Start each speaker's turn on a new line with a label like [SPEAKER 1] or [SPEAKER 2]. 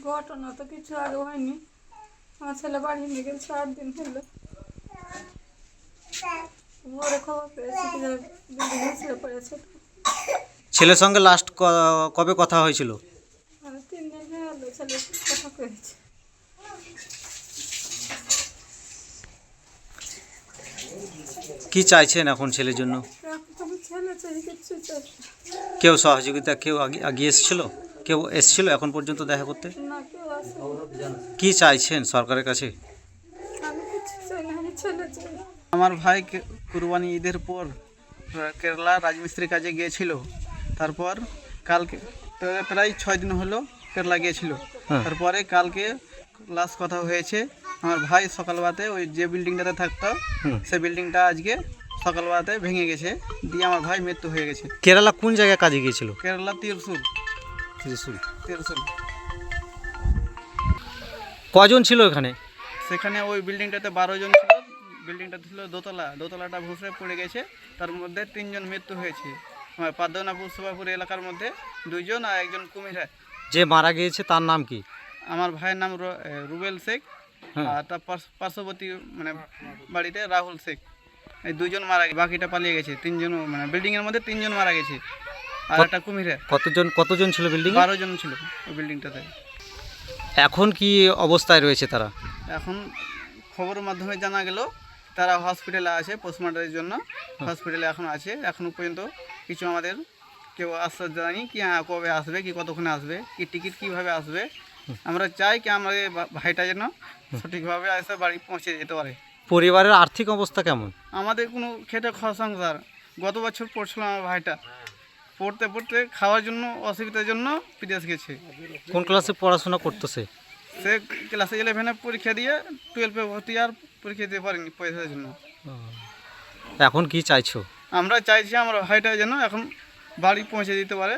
[SPEAKER 1] ঘটনা তো কিছু আগে হয়নি। আমার ছেলে বাড়ি নিয়ে গেছে 8 দিন হলো। ভোরে খবর পেয়েছি কি বিল্ডিং ছেড়ে পড়েছে।
[SPEAKER 2] ছেলের সঙ্গে লাস্ট কবে কথা হয়েছিল?
[SPEAKER 1] 3 দিন হয়ে গেল ছেলে কথা কয়েছে।
[SPEAKER 2] কি চাইছেন এখন ছেলের জন্য?
[SPEAKER 1] ছেলে চাই কিছু চাই
[SPEAKER 2] কেউ সহযোগিতা, কেউ আগিয়ে এসেছিল, কেউ এসেছিল এখন পর্যন্ত দেখা করতে?
[SPEAKER 1] না, কেউ আসে।
[SPEAKER 2] কি চাইছেন সরকারের কাছে?
[SPEAKER 1] আমি কিছু চাই না, আমি ছেলে চাই।
[SPEAKER 3] আমার ভাই কুরবানি ঈদের পর কেরালা রাজমিস্ত্রির কাজে গিয়েছিল। তারপর কালকে প্রায় 6 দিন হলো কেরালা গিয়েছিল। তারপরে কালকে লাস্ট কথা হয়েছে। আমার ভাই সকালবেলাতে ওই যে বিল্ডিংটাতে থাকতো সেই বিল্ডিংটা আজকে সকালবেলাতে ভেঙে গেছে, দিয়ে আমার ভাই মৃত্যু হয়ে গেছে।
[SPEAKER 2] কেরালা কোন জায়গায় কাজে গিয়েছিল?
[SPEAKER 3] কেরালা ত্রিশুল।
[SPEAKER 2] কজন ছিল এখানে?
[SPEAKER 3] সেখানে ওই বিল্ডিংটাতে 12 জন ছিল। বিল্ডিংটা ছিল দোতলাটা ভুসড়ে পড়ে গেছে। তার মধ্যে 3 জন মৃত্যু হয়েছে। আমার পাদ্মনাপুর সুবাপুর এলাকার মধ্যে 2 জন আর 1 জন কুমিরা।
[SPEAKER 2] যে মারা গিয়েছে তার নাম কি?
[SPEAKER 3] আমার ভাইয়ের নাম রুবেল শেখ, আর তার পার্শ্ববর্তী মানে বাড়িতে রাহুল শেখ। এই 2 জন মারা গেছে, বাকিটা পালিয়ে গেছে। 3 জন মানে বিল্ডিংয়ের মধ্যে 3 জন মারা গেছে আর একটা কুমিরা।
[SPEAKER 2] কতজন ছিল বিল্ডিং?
[SPEAKER 3] 12 জন ছিল ওই বিল্ডিংটাতে।
[SPEAKER 2] এখন কি অবস্থায় রয়েছে তারা?
[SPEAKER 3] এখন খবরের মাধ্যমে জানা গেল তারা হসপিটালে আছে, পোস্টমর্টমের জন্য হসপিটালে এখন আছে। এখনও পর্যন্ত কিছু আমাদের কেউ আশ্বাস জানায়নি কি কবে আসবে, কি কতক্ষণে আসবে, কি টিকিট কীভাবে আসবে। আমরা চাই কি আমাদের ভাইটা যেন সঠিকভাবে এসে বাড়ি পৌঁছে যেতে পারে।
[SPEAKER 2] পরিবারের আর্থিক অবস্থা কেমন?
[SPEAKER 3] আমাদের কোনো খেটে খাওয়া সংসার। গত বছর পড়ছিল আমার ভাইটা, পড়তে খাওয়ার জন্য অসুবিধার জন্য বিদেশ গেছে।
[SPEAKER 2] কোন ক্লাসে পড়াশোনা করতেছে?
[SPEAKER 3] সে ক্লাস 11-এ পরীক্ষা দিয়ে 12-এ ভর্তি আর পরীক্ষা দিতে পারেনি পয়সার জন্য।
[SPEAKER 2] এখন কি চাইছো?
[SPEAKER 3] আমরা চাইছি আমার ভাইটা যেন এখন বাড়ি পৌঁছে দিতে পারে।